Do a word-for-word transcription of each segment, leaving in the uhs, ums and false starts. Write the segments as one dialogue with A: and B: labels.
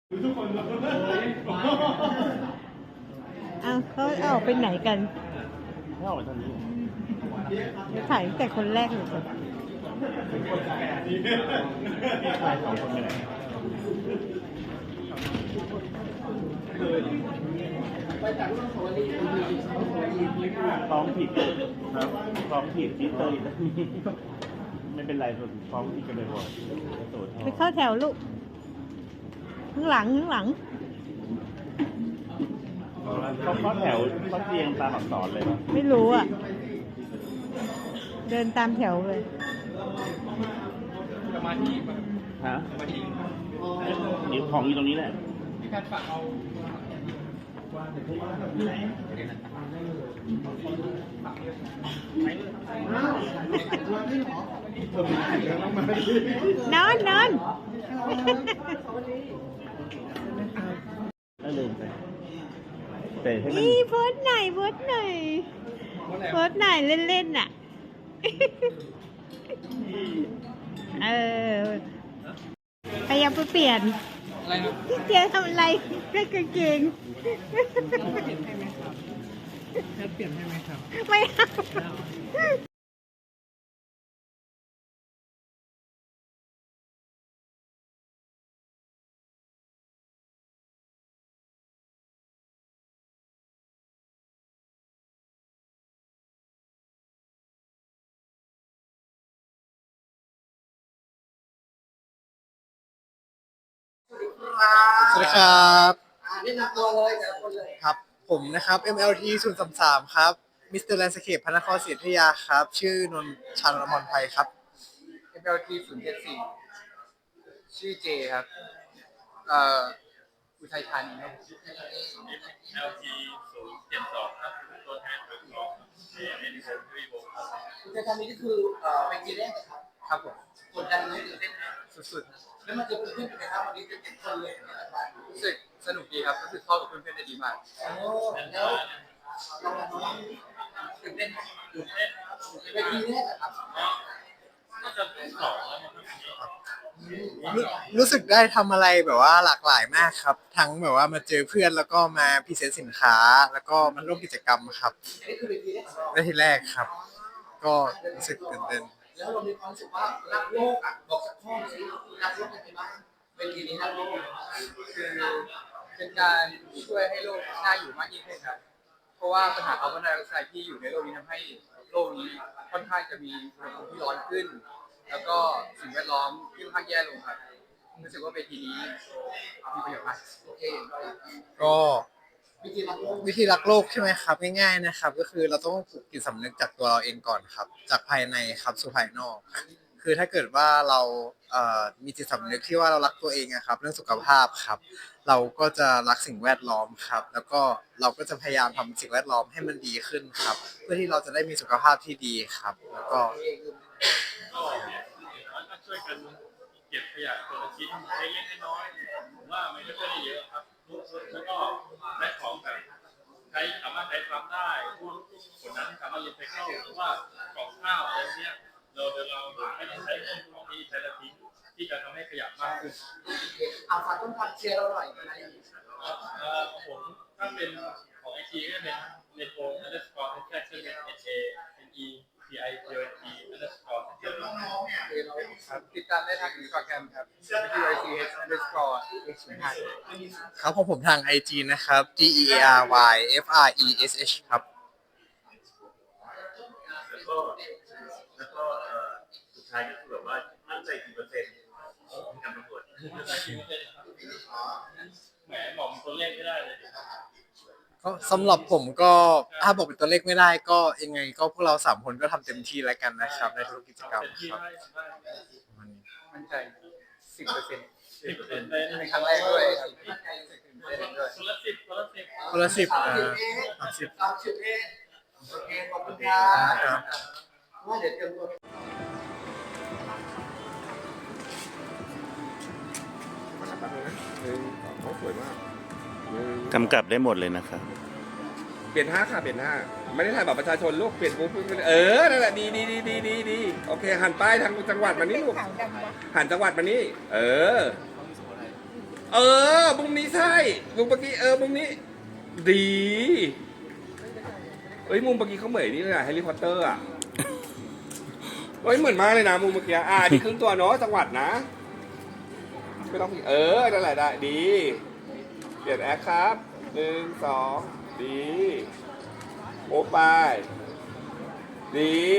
A: ทุกคนเลย
B: อ้าวเขาเอาไปไหนกัน
A: ไม่ออกไปทางนี้
B: ถ่ายตั้งแต่คนแรกเลยสิ
A: ชายสองคนไปไหนฟ้องผิดครับฟ้องผิดที่เตยไม่เป็นไรส่วนฟ้องผิดกันเลยว่ะโสด
B: ไปเข้าแถวลูก ข้างหลังข้างหลัง
A: เขาเข้าแถวเขาเรียงตามอักษรเลยป่ะ
B: ไม่รู้อ่ะ เดินตามแถวเลย
C: สมาธิป่ะ
A: ฮะ
C: สมาธิ
A: เดี๋ยวของอยู่ตรงนี้แหละ
C: พี่การฝากเอา
B: นอนนอน
A: แล้วลืมไปแต่ให้มัน
B: นี่โพสต์หน่อยโพสต์หน่อยโพสต์หน่อยเล่นๆน่ะ เออพยายามไปเปลี่ยน
C: อะไรนะ
B: พี่เจทำอะไรได้กางเกง
C: แค่เปลี่ยนให้ไหมครับ
B: ไม่เอา
D: สวัสดีครับแนะนำตัวเลยแต่ละคนเลยครับ ผมนะครับ เอ็ม แอล ที ศูนย์สามสามครับ มิสเตอร์แลนด์สเคปพระนครศรีอยุธยาครับ ชื่อนนท์ชานนท์อมรไพครับ
C: เอ็ม แอล ที ศูนย์เจ็ดสี่ชื่อเจครับ เอ่อ อุทัยธานีครับ
E: แอล ที ศูนย์เจ็ดสองครับตัวแทนของของเอเอ็นโฟทวีวงครับ
D: คุณจะทำนี้ก็คือเอ่อเป็นกีแรกนะครับ
C: ครับผม
D: กดดันไหมตื่นเต้นไหม
C: สุด
D: แล้วมันจะเพื่อนๆเป็นไงครับวันนี้เป็นเจ็ดคนเลยเนี่ยนะครับ
C: ๆรู้สึกสนุกดีครับรู้สึกเข้ากับเพื่อนๆได้ดีมาก
D: โอ้แล้วเราเราตื่นเต้นไหม
E: ตื่นเต้น
D: เป็นกีแรกอะครับ
E: น่าจะเป็นสองแล้วมั้งครับ
D: รู้รู้สึกได้ทำอะไรแบบว่าหลากหลายมากครับ ทั้งแบบว่ามาเจอเพื่อนแล้วก็มาพรีเซนต์สินค้า แล้วก็มาร่วมกิจกรรมครับอันนี้คือเป็นกีแรกของเราได้ทีแรกครับ ก็รู้สึกตื่นเต้นแล้วเรามีความรู้สึกว่ารักโลกอ่ะบอกสักข้อสิรักโลกยังไงบ้างเป็นทีนี้รักโลก
C: คือเป็นการช่วยให้โลกน่าอยู่มากยิ่งขึ้นครับ เพราะว่าปัญหาคาร์บอนไดออกไซด์ที่อยู่ในโลกนี้ทำให้โลกนี้ค่อนข้างจะมีอุณหภูมิที่ร้อนขึ้น แล้วก็สิ่งแวดล้อมที่ค่อนข้างแย่ลงครับรู้สึกว่าเวทีนี้มีประโยชน์มาก
D: โอเคก็วิธีรักโลกวิธีรักโลกใช่ไหมครับง่ายๆนะครับ ก็คือเราต้องปลูกจิตสำนึกจากตัวเราเองก่อนครับ จากภายในครับสู่ภายนอก คือถ้าเกิดว่าเราเอ่อมีจิตสำนึกที่ว่าเรารักตัวเองอะครับเรื่องสุขภาพครับ เราก็จะรักสิ่งแวดล้อมครับ แล้วก็เราก็จะพยายามทำสิ่งแวดล้อมให้มันดีขึ้นครับ เพื่อที่เราจะได้มีสุขภาพที่ดีครับ แล้วก็
E: ก็ถ้าช่วยกันเก็บขยะคนละชิ้นเล็กๆน้อยๆผมว่ามันก็จะได้เยอะครับแล้วก็ได้ของแบบใช้สามารถใช้ซ้ำได้พวกผลนั้นสามารถรีไซเคิลหรือว่ากล่องข้าวอะไรเนี้ยเราเดี๋ยวเราไม่ได้ใช้ของที่ใช้แล้วทิ้งที่จะทำให้ขยะมากขึ้น
D: เอาฝากต้นพันเชียร์เราหน่อยนะ
E: เอ่อของผมถ้าเป็นของไอทีก็เป็นเนโฟ underscore transaction n a n e p i p o t underscore transaction
C: ครับติดตามได้ทางอินสตาแกรมครับ w i c h underscore x ศูนย์ห้า
D: ครับของผมทาง ไอ จี นะครับ g e a r y f r e s h ครับ
E: แล้วก็แล้วก็เอ่อสุดท้ายก็คือแบบว่ามั่นใจกี่เปอร์เซ็นต์ในการประกวดแหมบอกตัวเลขไม่ได้เลย
D: ก็สำหรับผมก็ถ้าบอกเป็นตัวเลขไม่ได้ก็ยังไงก็พวกเราสามคนก็ทำเต็มที่แล้วกันนะครับในทุกกิจกรรม
E: เต็มที่
D: ครับ
E: ได้ได้
C: มั่นใจสิบเปอร์เซ็นต์
E: สิบเปอร์เซ็นต์ได้
C: เป็นครั้งแรกด้วยครับตื่นเต้นด้วย
E: คนละสิบคนละสิบ
D: คนละสิบเออสิบสามสิบเอ็ดโอเคขอบคุณครับว่าเดี๋ยวเตรียมตัว
A: กำกับได้หมดเลยนะครับ
F: เปลี่ยนท่าค่ะเปลี่ยนท่าไม่ได้ถ่ายบัตรประชาชนลูกเปลี่ยนปุ๊บปุ๊บเออนั่นแหละดีดีดีดีดีดีโอเคหันป้ายทางจังหวัดมานี่ลูกหันจังหวัดมานี่เออเออมุมนี้ใช่มุมเมื่อกี้เออมุมนี้ ดีเอ้ยมุมเมื่อกี้เขาเหมือนนี่เลยอะแฮร์รี่พอตเตอร์อะเฮ้ยเหมือนมากเลยนะมุมเมื่อกี้อ่านี่ครึ่งตัวเนาะจังหวัดนะไม่ต้องเออนั่นแหละได้ดีเปลี่ยนแอคครับหนึ่งสองดีโอ้ไปดี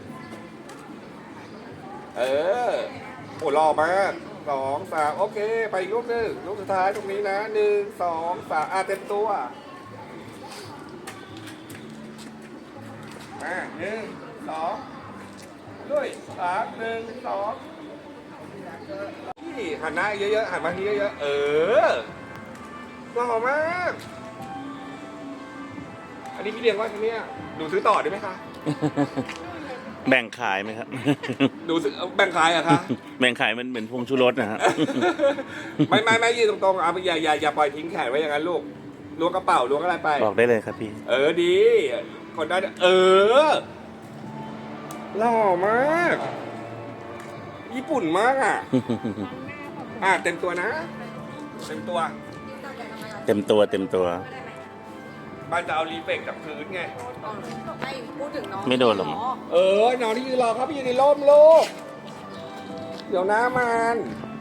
F: เออโอ้หล่อมากสองสามโอเคไปอีกรูปหนึ่งรูปสุดท้ายตรงนี้นะหนึ่งสองสามอ่ะเต็มตัวอ่ะหนึ่งสองด้วยสามหนึ่งสองนี่หันหน้าเยอะๆหันมาที่เยอะๆเออหล่อมากอันนี้พี่เลี้ยงว่าเนี่ยหนูซื้อต่อได้ไหมคะ
A: แบ่งขายไหมครับ
F: หนูซื้อแบ่งขายเหรอะคะ
A: แบ่งขายมันเหมือนพงชูรสนะฮะ
F: ไม่ไม่ไม่ยืนตรงๆอ่ะอย่าอย่าอย่าปล่อยทิ้งแขนไว้อย่างนั้นลูกล้วงกระเป๋าล้วงอะไรไป
A: บอกได้เลยครับพี่
F: เออดีคนได้เออหล่อมาก ญี่ปุ่นมากอ่ะ อ่ะเต็มตัวนะ เต็มตัว
A: เต็มตัวเต็มตัว
F: บ้านจะเอารีเฟกจากพื้นไง
G: ไม่พูดถึงน้อง
A: ไม่โดนหรอก
F: เออน้องที่ยืนรอครับพี่ยืนในร่มลูกเดี๋ยวน้ามัน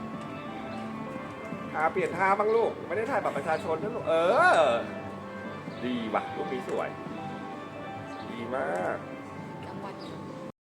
F: อ่าเปลี่ยนท่าบ้างลูก ไม่ได้ถ่ายบัตรประชาชนนะลูก เออ ดีว่ะลูกนี้สวย ดีมาก
G: จังหวัด